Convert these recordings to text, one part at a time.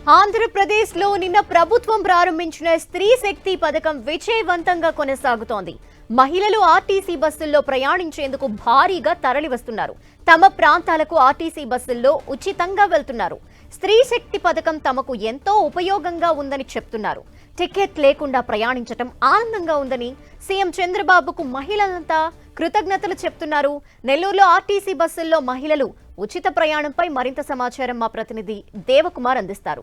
ఆంధ్రప్రదేశ్లో నిన్న ప్రభుత్వం ప్రారంభించిన స్త్రీ శక్తి పథకం విజయవంతంగా కొనసాగుతోంది. మహిళలు ఆర్టీసీ బస్సుల్లో ప్రయాణించేందుకు భారీగా తరలివస్తున్నారు. తమ ప్రాంతాలకు ఆర్టీసీ బస్సుల్లో ఉచితంగా వెళ్తున్నారు. స్త్రీ శక్తి పథకం తమకు ఎంతో ఉపయోగంగా ఉందని చెప్తున్నారు. టికెట్ లేకుండా ప్రయాణించడం ఆనందంగా ఉందని సీఎం చంద్రబాబుకు మహిళలంతా కృతజ్ఞతలు చెప్తున్నారు. నెల్లూరులో ఆర్టీసీ బస్సుల్లో మహిళలు ఉచిత ప్రయాణంపై మరింత సమాచారం మా ప్రతినిధి దేవకుమార్ అందిస్తారు.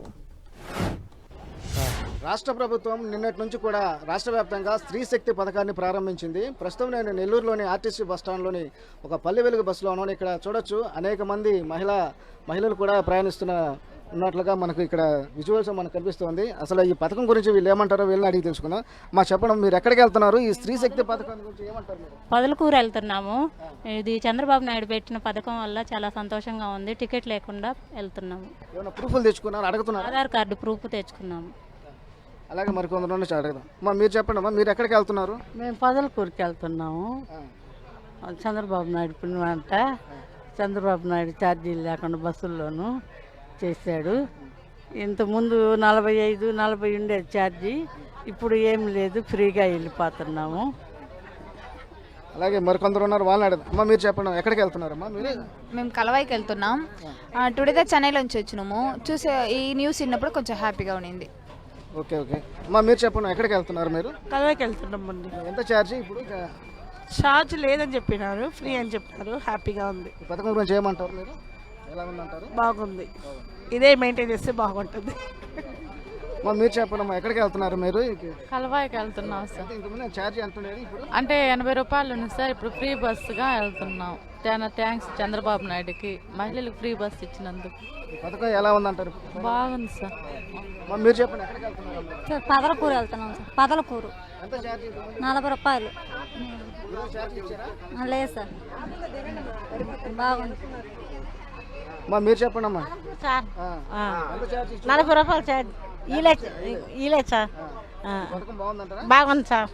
రాష్ట్ర ప్రభుత్వం నిన్నటి నుంచి కూడా రాష్ట్ర వ్యాప్తంగా స్త్రీ శక్తి పథకాన్ని ప్రారంభించింది. ప్రస్తుతం నేను నెల్లూరులోని ఆర్టీసీ బస్టాండ్లోని ఒక పల్లె వెలుగు బస్సులో ఉన్నాను. ఇక్కడ చూడొచ్చు అనేక మంది మహిళలు కూడా ఉన్నట్లుగా మనకు ఇక్కడ విజువల్స్ మనకు కనిపిస్తుంది. అసలు ఈ పథకం గురించి వీళ్ళు ఏమంటారో వీళ్ళని అడిగి తెలుసుకుందాం. మా చెప్పడం, మీరు ఎక్కడికి వెళ్తున్నారు? ఈ స్త్రీ శక్తి పథకం గురించి ఏమంటారు మీరు? పొదలకూరు వెళ్తున్నాము. ఇది చంద్రబాబు నాయుడు పెట్టిన పథకం వల్ల చాలా సంతోషంగా ఉంది. టికెట్ లేకుండా వెళ్తున్నాము. ఏమైనా ప్రూఫ్లు తెచ్చుకున్నారు? అడుగుతున్నారు? ఆధార్ కార్డు ప్రూఫ్ తెచ్చుకున్నాము. అలాగే మరికొందరు నుంచి అడుగుదాం. మీరు చెప్పండి అమ్మా, మీరు ఎక్కడికి వెళ్తున్నారు? మేము పొదలకూరుకి వెళ్తున్నాము. చంద్రబాబు నాయుడు పుణ్యమంట. చంద్రబాబు నాయుడు ఛార్జీలు లేకుండా బస్సుల్లోనూ చేశాడు. ఇంతకుముందు 45-40 ఉండేది ఛార్జీ, ఇప్పుడు ఏం లేదు, ఫ్రీగా వెళ్ళిపోతున్నాము. అలాగే మరికొందరు ఉన్నారు, వాళ్ళని అడుగుదాం. అమ్మా మీరు చెప్పండి, ఎక్కడికి వెళ్తున్నారమ్మా మీరు? మేము కలవాయికి వెళ్తున్నాం. టుడే చెన్నైలో నుంచి వచ్చినాము. చూసే ఈ న్యూస్ విన్నప్పుడు కొంచెం హ్యాపీగా ఉండింది. ఓకే. అమ్మా మీరు చెప్పండి, ఎక్కడికి వెళ్తున్నారు మీరు? కలవాయికి వెళ్తున్నాం అండి. ఎంత ఛార్జీ ఇప్పుడు? ఛార్జ్ లేదని చెప్పినారు, ఫ్రీ అని చెప్పినారు. హ్యాపీగా ఉంది. ఈ పథకం గురించి ఏమంటారు మీరు? ఎలా ఉందంటారు? బాగుంది. ఇదే మెయింటైన్ చేస్తే బాగుంటుంది. మీరు చెప్పండి అమ్మా, ఎక్కడికి వెళ్తున్నారు మీరు? కలవాయికి వెళ్తున్నాం సార్. ఇంతకుముందు ఛార్జీ ఎంత ఉండేది? ఇప్పుడు అంటే 80 రూపాయలు ఉంది సార్. ఇప్పుడు ఫ్రీ బస్సుగా వెళ్తున్నాం. థ్యాంక్స్ చంద్రబాబు నాయుడుకి, మహిళలకు ఫ్రీ బస్సు ఇచ్చినందుకు. ఈ పథకం ఎలా ఉందంటారు? బాగుంది సార్. మీరు చెప్పండి, ఎక్కడికి వెళ్తున్నారు? సార్ పొదలకూరు వెళ్తున్నాం సార్. పొదలకూరు ఎంత ఛార్జీ? 40 రూపాయలు. ఛార్జీ ఇచ్చారా? లేదు సార్, బాగుంది. మీరు చెప్పండి అమ్మా. సార్ ఎంత ఛార్జీ? 40 రూపాయలు ఛార్జ్. ఈలే సార్. పథకం బాగుందంటారా? బాగుంది సార్.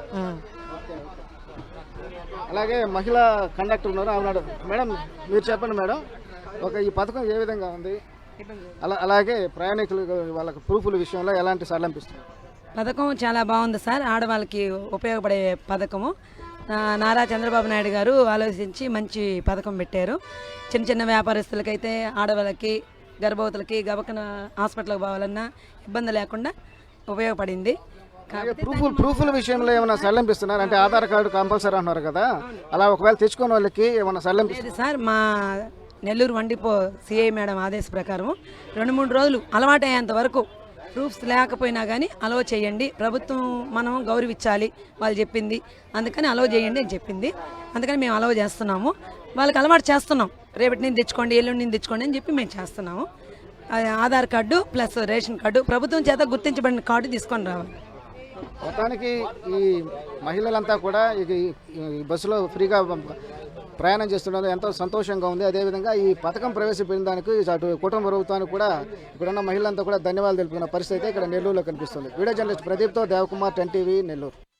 అలాగే మహిళా కండక్టర్ ఉన్నారు, అవునాడు. మేడం మీరు చెప్పండి మేడం, ఈ పథకం ఏ విధంగా ఉంది? అలాగే ప్రయాణికులు వాళ్ళకి ప్రూఫ్ల విషయంలో ఎలాంటి సడలింపిస్తున్నారు? పథకం చాలా బాగుంది సార్. ఆడవాళ్ళకి ఉపయోగపడే పథకము. నారా చంద్రబాబు నాయుడు గారు ఆలోచించి మంచి పథకం పెట్టారు. చిన్న వ్యాపారస్తులకైతే, ఆడవాళ్ళకి, గర్భవతులకి గబకన హాస్పిటల్కి పోవాలన్నా ఇబ్బంది లేకుండా ఉపయోగపడింది. ప్రూఫ్ల విషయంలో ఏమైనా సడలింపిస్తున్నారు? అంటే ఆధార్ కార్డు కంపల్సరీ అంటున్నారు కదా, అలా ఒకవేళ తెచ్చుకున్న వాళ్ళకి ఏమైనా సడలింపిస్తుంది సార్? మా నెల్లూరు వండిపో సిఐ మేడం ఆదేశ ప్రకారం 2-3 రోజులు అలవాటు అయ్యేంత వరకు ప్రూఫ్స్ లేకపోయినా కానీ అలవ్ చేయండి. ప్రభుత్వం మనం గౌరవించాలి, వాళ్ళు చెప్పింది, అందుకని అలవ్ చేయండి అని చెప్పింది. అందుకని మేము అలవ్ చేస్తున్నాము. వాళ్ళకి అలవాటు చేస్తున్నాం. రేపటి నుంచి తెచ్చుకోండి, ఎల్లుండి నుంచి తెచ్చుకోండి అని చెప్పి మేము చేస్తున్నాము. Aadhaar card plus ration card, ప్రభుత్వం చేత గుర్తించబడిన కార్డు తీసుకొని రావాలి. మొత్తానికి ఈ మహిళలంతా కూడా ఈ బస్సులో ఫ్రీగా ప్రయాణం చేస్తున్నది ఎంతో సంతోషంగా ఉంది. అదేవిధంగా ఈ పథకం ప్రవేశపెట్టిన దానికి అటు కుటుంబ ప్రభుత్వానికి కూడా ఇక్కడున్న మహిళలంతా కూడా ధన్యవాదాలు తెలుపుకున్న పరిస్థితి అయితే ఇక్కడ నెల్లూరులో కనిపిస్తుంది. వీడియో జర్నలిస్ట్ ప్రదీప్తో దేవకుమార్, 10 టీవీ, నెల్లూరు.